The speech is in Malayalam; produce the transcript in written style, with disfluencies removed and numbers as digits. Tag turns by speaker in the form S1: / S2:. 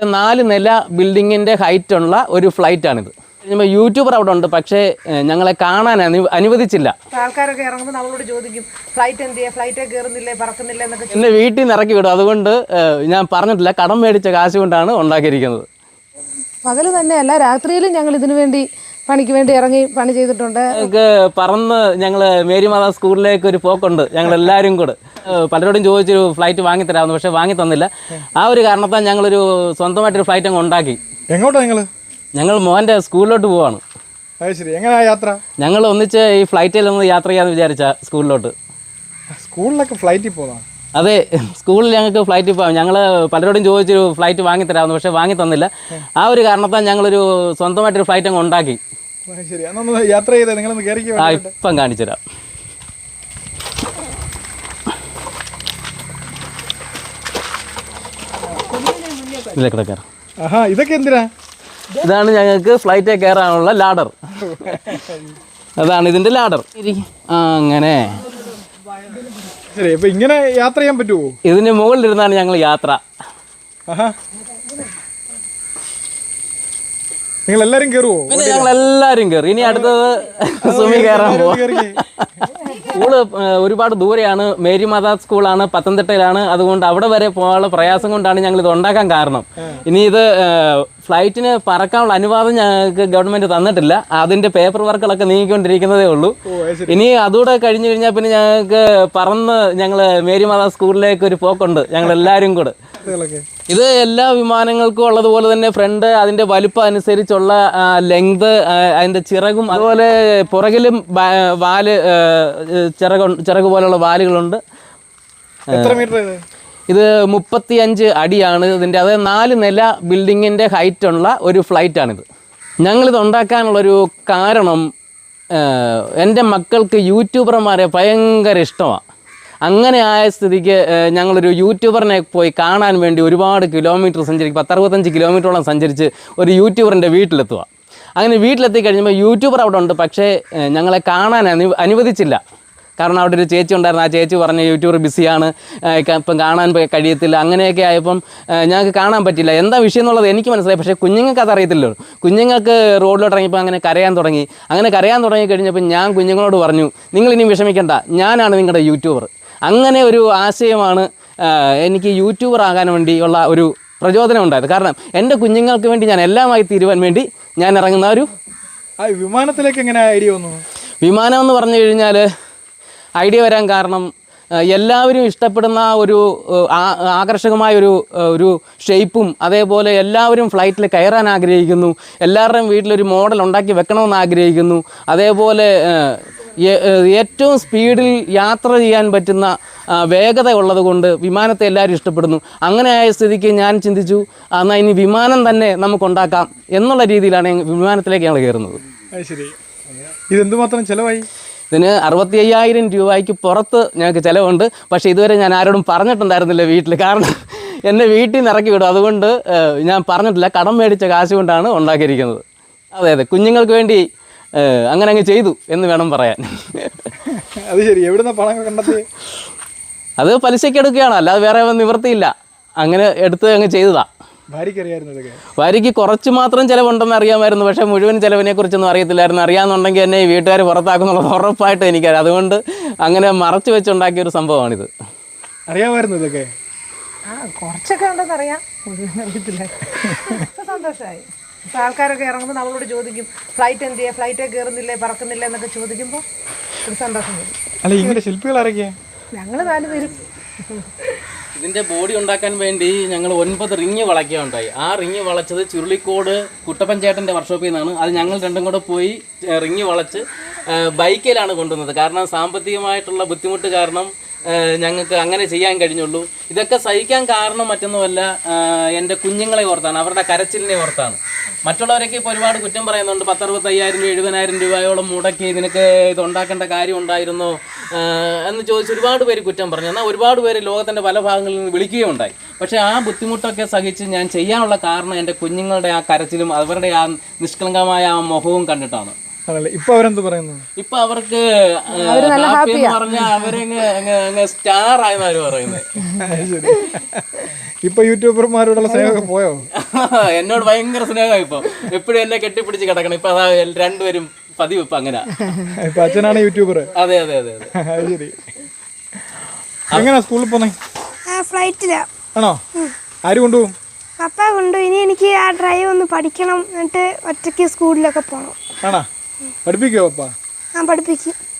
S1: 4 നില ബിൽഡിങ്ങിൻ്റെ ഹൈറ്റുള്ള ഒരു ഫ്ലൈറ്റാണിത്. യൂട്യൂബർ അവിടെ ഉണ്ട്, പക്ഷേ ഞങ്ങളെ കാണാൻ അനുവദിച്ചില്ല.
S2: ആൾക്കാരൊക്കെ ഇറങ്ങുമ്പോൾ നമ്മളോട് ചോദിക്കും ഫ്ലൈറ്റ് എന്തിയാ, ഫ്ലൈറ്റേ കയറുന്നില്ലേ, പറക്കുന്നില്ല എന്നൊക്കെ.
S1: എന്നെ വീട്ടിൽ നിന്ന് ഇറക്കി വിടും. അതുകൊണ്ട് ഞാൻ പറഞ്ഞിട്ടില്ല, കടം മേടിച്ച കാശ് കൊണ്ടാണ് ഉണ്ടാക്കിയിരിക്കുന്നത്.
S2: പകല് തന്നെയല്ല, രാത്രിയിലും ഞങ്ങൾ ഇതിനു വേണ്ടി പണിക്ക് വേണ്ടി ഇറങ്ങി പണി ചെയ്തിട്ടുണ്ട്.
S1: ഞങ്ങൾക്ക് പറന്ന് ഞങ്ങൾ മേരി മാതാ സ്കൂളിലേക്ക് ഒരു പോക്കുണ്ട്, ഞങ്ങൾ എല്ലാവരും കൂടെ. പലരോടും ചോദിച്ചൊരു ഫ്ലൈറ്റ് വാങ്ങിത്തരാമെന്ന്, പക്ഷേ വാങ്ങി തന്നില്ല. ആ ഒരു കാരണത്താൽ ഞങ്ങളൊരു സ്വന്തമായിട്ടൊരു ഫ്ലൈറ്റ് അങ്ങ് ഉണ്ടാക്കി.
S3: എങ്ങോട്ടാണ്
S1: ഞങ്ങൾ മോൻ്റെ സ്കൂളിലോട്ട് പോവാണ്.
S3: ശരി, എങ്ങനെയാ യാത്ര?
S1: ഞങ്ങൾ ഒന്നിച്ച് ഈ ഫ്ലൈറ്റിൽ ഒന്ന് യാത്ര ചെയ്യാമെന്ന് വിചാരിച്ച സ്കൂളിലോട്ട്.
S3: സ്കൂളിലൊക്കെ ഫ്ലൈറ്റിൽ പോകാം?
S1: അതെ, സ്കൂളിൽ ഞങ്ങൾക്ക് ഫ്ലൈറ്റിൽ പോകാം. ഞങ്ങൾ പലരോടും ചോദിച്ചൊരു ഫ്ലൈറ്റ് വാങ്ങിത്തരാമെന്ന്, പക്ഷേ വാങ്ങി തന്നില്ല. ആ ഒരു കാരണത്താൽ ഞങ്ങളൊരു സ്വന്തമായിട്ടൊരു ഫ്ലൈറ്റ് അങ്ങ് ഉണ്ടാക്കി.
S3: ശരി, അന്നൊന്ന് യാത്ര ചെയ്തേ, നിങ്ങളൊന്ന് കയറിക്കോ.
S1: ആ, ഇപ്പം കാണിച്ചുതരാം. ഇതിലെ കിടക്കാറ്.
S3: ഇതൊക്കെ എന്തിനാ?
S1: ഇതാണ് ഞങ്ങൾക്ക് ഫ്ലൈറ്റിൽ കയറാനുള്ള ലാഡർ. അതാണ് ഇതിൻ്റെ ലാഡർ. അങ്ങനെ
S3: ശരി, ഇപ്പൊ ഇങ്ങനെ യാത്ര ചെയ്യാൻ പറ്റുമോ?
S1: ഇതിന് മുകളിലിരുന്നാണ് ഞങ്ങൾ യാത്ര.
S3: നിങ്ങൾ എല്ലാരും കയറുവോ?
S1: പിന്നെ ഞങ്ങൾ എല്ലാവരും കയറി. ഇനി അടുത്തത് സുമി കയറാൻ പോകും. സ്കൂള് ഒരുപാട് ദൂരെയാണ്. മേരി മാതാ സ്കൂളാണ്, പത്തനംതിട്ടയിലാണ്. അതുകൊണ്ട് അവിടെ വരെ പോകാനുള്ള പ്രയാസം കൊണ്ടാണ് ഞങ്ങൾ ഇത് ഉണ്ടാക്കാൻ കാരണം. ഇനി ഇത് ഫ്ലൈറ്റിന് പറക്കാനുള്ള അനുവാദം ഞങ്ങൾക്ക് ഗവൺമെൻറ് തന്നിട്ടില്ല. അതിൻ്റെ പേപ്പർ വർക്കുകളൊക്കെ നീങ്ങിക്കൊണ്ടിരിക്കുന്നതേ ഉള്ളൂ. ഇനി അതുകൂടെ കഴിഞ്ഞ് കഴിഞ്ഞാൽ പിന്നെ ഞങ്ങൾക്ക് പറന്ന് ഞങ്ങൾ മേരി മാതാ സ്കൂളിലേക്ക് ഒരു പോക്കുണ്ട്, ഞങ്ങൾ എല്ലാവരും കൂടെ. ഇത് എല്ലാ വിമാനങ്ങൾക്കും ഉള്ളതുപോലെ തന്നെ ഫ്രണ്ട് അതിൻ്റെ വലുപ്പം അനുസരിച്ചുള്ള ലെങ്ത്, അതിൻ്റെ ചിറകും അതുപോലെ പുറകിലും വാല് ചിറക് പോലുള്ള വാലുകളുണ്ട്. ഇത് 35 അടിയാണ് ഇതിൻ്റെ. അത് 4 നില ബിൽഡിങ്ങിൻ്റെ ഹൈറ്റുള്ള ഒരു ഫ്ലൈറ്റാണിത്. ഞങ്ങളിത് ഉണ്ടാക്കാനുള്ളൊരു കാരണം, എൻ്റെ മക്കൾക്ക് യൂട്യൂബർമാരെ ഭയങ്കര ഇഷ്ടമാണ്. അങ്ങനെ ആയ സ്ഥിതിക്ക് ഞങ്ങളൊരു യൂട്യൂബറിനെ പോയി കാണാൻ വേണ്ടി ഒരുപാട് കിലോമീറ്റർ സഞ്ചരിക്കും. 10-65 കിലോമീറ്ററോളം സഞ്ചരിച്ച് ഒരു യൂട്യൂബറിൻ്റെ വീട്ടിലെത്തുക. അങ്ങനെ വീട്ടിലെത്തി കഴിഞ്ഞപ്പോൾ യൂട്യൂബർ അവിടെ ഉണ്ട്, പക്ഷേ ഞങ്ങളെ കാണാൻ അനുവദിച്ചില്ല. കാരണം അവിടെ ഒരു ചേച്ചി ഉണ്ടായിരുന്നു. ആ ചേച്ചി പറഞ്ഞ് യൂട്യൂബർ ബിസിയാണ്, ഇപ്പം കാണാൻ കഴിയത്തില്ല. അങ്ങനെയൊക്കെ ആയപ്പം ഞങ്ങൾക്ക് കാണാൻ പറ്റില്ല. എന്താ വിഷയം എന്നുള്ളത് എനിക്ക് മനസ്സിലായി, പക്ഷേ കുഞ്ഞുങ്ങൾക്ക് അതറിയത്തില്ലല്ലോ. കുഞ്ഞുങ്ങൾക്ക് റോഡിലോട്ട് ഇറങ്ങിയപ്പോൾ അങ്ങനെ കരയാൻ തുടങ്ങി. അങ്ങനെ കരയാൻ തുടങ്ങി കഴിഞ്ഞപ്പോൾ ഞാൻ കുഞ്ഞുങ്ങളോട് പറഞ്ഞു, നിങ്ങളിനി വിഷമിക്കേണ്ട, ഞാനാണ് നിങ്ങളുടെ യൂട്യൂബർ. അങ്ങനെ ഒരു ആശയമാണ് എനിക്ക് യൂട്യൂബർ ആകാൻ വേണ്ടിയുള്ള ഒരു പ്രചോദനം ഉണ്ടായത്. കാരണം എൻ്റെ കുഞ്ഞുങ്ങൾക്ക് വേണ്ടി ഞാൻ എല്ലാമായി തീരുവാൻ വേണ്ടി ഞാൻ ഇറങ്ങുന്ന ഒരു
S3: വിമാനത്തിലേക്ക് എങ്ങനെ ഐഡിയ വന്നു?
S1: വിമാനം എന്ന് പറഞ്ഞു കഴിഞ്ഞാൽ ഐഡിയ വരാൻ കാരണം എല്ലാവരും ഇഷ്ടപ്പെടുന്ന ഒരു ആകർഷകമായ ഒരു ഷേപ്പും, അതേപോലെ എല്ലാവരും ഫ്ലൈറ്റിൽ കയറാൻ ആഗ്രഹിക്കുന്നു. എല്ലാവരുടെയും വീട്ടിലൊരു മോഡൽ ഉണ്ടാക്കി വെക്കണമെന്ന് ആഗ്രഹിക്കുന്നു. അതേപോലെ ഏറ്റവും സ്പീഡിൽ യാത്ര ചെയ്യാൻ പറ്റുന്ന വേഗത ഉള്ളത് കൊണ്ട് വിമാനത്തെ എല്ലാവരും ഇഷ്ടപ്പെടുന്നു. അങ്ങനെ ആയ സ്ഥിതിക്ക് ഞാൻ ചിന്തിച്ചു, എന്നാൽ ഇനി വിമാനം തന്നെ നമുക്കുണ്ടാക്കാം എന്നുള്ള രീതിയിലാണ് വിമാനത്തിലേക്ക് ഞങ്ങൾ കയറുന്നത്.
S3: ശരി, ഇതെന്തുമാത്രം ചിലവായി?
S1: ഇതിന് 65,000 രൂപയ്ക്ക് പുറത്ത് ഞങ്ങൾക്ക് ചിലവുണ്ട്. പക്ഷേ ഇതുവരെ ഞാൻ ആരോടും പറഞ്ഞിട്ടുണ്ടായിരുന്നില്ല വീട്ടിൽ. കാരണം എന്നെ വീട്ടിൽ നിന്ന് ഇറക്കി വിടും. അതുകൊണ്ട് ഞാൻ പറഞ്ഞിട്ടില്ല, കടം മേടിച്ച കാശ് കൊണ്ടാണ് ഉണ്ടാക്കിയിരിക്കുന്നത്. അതെ, കുഞ്ഞുങ്ങൾക്ക് വേണ്ടി അങ്ങനെ അങ്ങ് ചെയ്തു എന്ന് വേണം പറയാൻ.
S3: അത് ശരി, എവിടുന്ന പണം കണ്ടെത്തി?
S1: അത് പലിശയ്ക്ക് എടുക്കുകയാണ്, അല്ലാതെ വേറെ നിവൃത്തിയില്ല. അങ്ങനെ എടുത്ത് അങ്ങ് ചെയ്തതാ. ഭാര്യയ്ക്ക് കുറച്ച് മാത്രം ചിലവുണ്ടെന്ന് അറിയാമായിരുന്നു, പക്ഷേ മുഴുവൻ ചിലവിനെ കുറിച്ചൊന്നും അറിയത്തില്ലായിരുന്നു. അറിയാമെന്നുണ്ടെങ്കിൽ എന്നെ ഈ വീട്ടുകാർ പുറത്താക്കുന്നുള്ളത് ഉറപ്പായിട്ട് എനിക്കറിയാം. അതുകൊണ്ട് അങ്ങനെ മറച്ചു വെച്ചുണ്ടാക്കിയൊരു സംഭവമാണിത്.
S3: അറിയാമായിരുന്നു ഇതൊക്കെ?
S2: കുറച്ചൊക്കെ ഉണ്ടെന്ന് അറിയാം, മുഴുവൻ അറിയത്തില്ല. സന്തോഷമായി. ആൾക്കാരൊക്കെ ഇറങ്ങുമ്പോൾ നമ്മളോട് ചോദിക്കും ഫ്ലൈറ്റ് എന്തിയാ, ഫ്ലൈറ്റേ കയറുന്നില്ലേ, പറക്കുന്നില്ല എന്നൊക്കെ ചോദിക്കുമ്പോൾ ഒരു സന്തോഷം വരും.
S3: അല്ല, ഇങ്ങനെ ശില്പികൾ ആരൊക്കെയാ?
S2: ഞങ്ങൾ 4 പേരും.
S1: ഇതിൻ്റെ ബോഡി ഉണ്ടാക്കാൻ വേണ്ടി ഞങ്ങൾ 9 റിങ് വളയ്ക്കുകയുണ്ടായി. ആ റിങ് വളച്ചത് ചുരുളിക്കോട് കുട്ടപ്പൻ ചേട്ടൻ്റെ വർക്ക്ഷോപ്പിൽ നിന്നാണ്. അത് ഞങ്ങൾ രണ്ടും കൂടെ പോയി റിങ് വളച്ച് ബൈക്കിലാണ് കൊണ്ടുവന്നത്. കാരണം സാമ്പത്തികമായിട്ടുള്ള ബുദ്ധിമുട്ട് കാരണം ഞങ്ങൾക്ക് അങ്ങനെ ചെയ്യാൻ കഴിഞ്ഞുള്ളൂ. ഇതൊക്കെ സഹിക്കാൻ കാരണം മറ്റൊന്നുമല്ല, എൻ്റെ കുഞ്ഞുങ്ങളെ ഓർത്താണ്, അവരുടെ കരച്ചിലിനെ ഓർത്താണ്. മറ്റുള്ളവരൊക്കെ ഇപ്പോൾ ഒരുപാട് കുറ്റം പറയുന്നുണ്ട്. 10-65,000 രൂപ 70,000 രൂപയോളം മുടക്കി ഇതിനൊക്കെ ഇത് ഉണ്ടാക്കേണ്ട കാര്യം ഉണ്ടായിരുന്നോ എന്ന് ചോദിച്ച് ഒരുപാട് പേര് കുറ്റം പറഞ്ഞു. എന്നാൽ ഒരുപാട് പേര് ലോകത്തിൻ്റെ പല ഭാഗങ്ങളിൽ നിന്ന് വിളിക്കുകയുണ്ടായി. പക്ഷേ ആ ബുദ്ധിമുട്ടൊക്കെ സഹിച്ച് ഞാൻ ചെയ്യാനുള്ള കാരണം എൻ്റെ കുഞ്ഞുങ്ങളുടെ ആ കരച്ചിലും അവരുടെ ആ നിഷ്കളങ്കമായ ആ മുഖവും കണ്ടിട്ടാണ്.
S3: ഇപ്പൊ അവരെന്ത് പറയുന്നു? ഇപ്പൊ
S1: അവർക്ക് പറഞ്ഞാൽ അവരങ്ങ് സ്റ്റാർ ആയെന്നാണ് പറയുന്നത്.
S3: ഇപ്പൊ യൂട്യൂബർമാരോടുള്ള സ്നേഹമൊക്കെ പോയോ?
S1: എന്നോട് ഭയങ്കര സ്നേഹമായി ഇപ്പൊ. എപ്പോഴും എന്നെ കെട്ടിപ്പിടിച്ച് കിടക്കണം. ഇപ്പൊ അതാ രണ്ടുപേരും പതിവ് ഇപ്പൊ അങ്ങനെ.
S3: ഇപ്പൊ അച്ഛനാണ് യൂട്യൂബർ.
S1: അതെ അതെ അതെ അതെ.
S3: ശരി. എങ്ങനെയാ സ്കൂളിൽ പോന്നെ?
S4: ഫ്ലൈറ്റിലാ.
S3: ആണോ? ആര് കൊണ്ടുപോകും?
S4: പപ്പ കൊണ്ടു. ഇനി എനിക്ക് ആ ഡ്രൈവ് ഒന്ന് പഠിക്കണം, എന്നിട്ട് ഒറ്റയ്ക്ക് സ്കൂളിലൊക്കെ പോകണം.
S3: ആണോ? പഠിപ്പിക്കോ പപ്പ?
S4: ആ പഠിപ്പിക്കും.